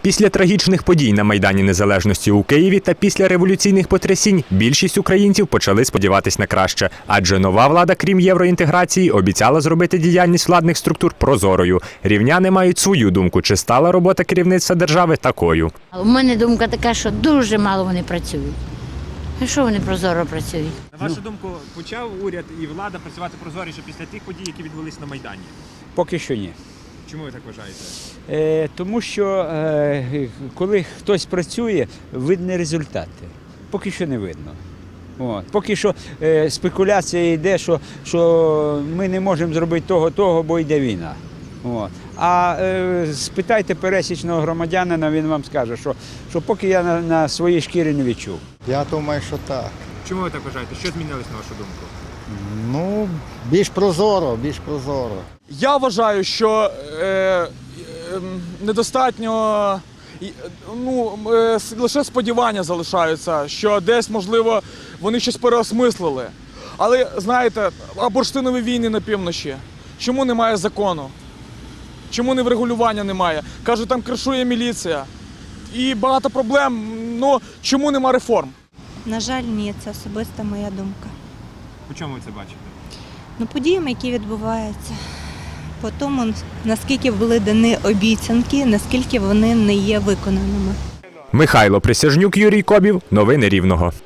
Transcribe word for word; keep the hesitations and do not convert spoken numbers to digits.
Після трагічних подій на Майдані Незалежності у Києві та після революційних потрясінь більшість українців почали сподіватись на краще. Адже нова влада, крім євроінтеграції, обіцяла зробити діяльність владних структур прозорою. Рівняни мають свою думку, чи стала робота керівництва держави такою. У мене думка така, що дуже мало вони працюють. А що вони прозоро працюють? На вашу думку, почав уряд і влада працювати прозоріше після тих подій, які відбулись на Майдані? Поки що ні. Чому ви так вважаєте? Е, тому що е, коли хтось працює, видні результати. Поки що не видно. От. Поки що е, спекуляція йде, що, що ми не можемо зробити того, того, бо йде війна. От. А е, спитайте пересічного громадянина, він вам скаже, що, що поки я на, на своїй шкірі не відчув. Я думаю, що так. Чому ви так вважаєте? Що змінилось на вашу думку? Ну, більш прозоро, більш прозоро. Я вважаю, що е, е, недостатньо, ну, е, лише сподівання залишаються, що десь, можливо, вони щось переосмислили. Але, знаєте, а бурштинові війни на півночі, чому немає закону? Чому не врегулювання немає? Кажуть, там кришує міліція. І багато проблем, ну, чому нема реформ? На жаль, ні, це особиста моя думка. По чому ви це бачите? Ну, подіями, які відбуваються, по тому, наскільки були дані обіцянки, наскільки вони не є виконаними. Михайло Присяжнюк, Юрій Кобів. Новини Рівного.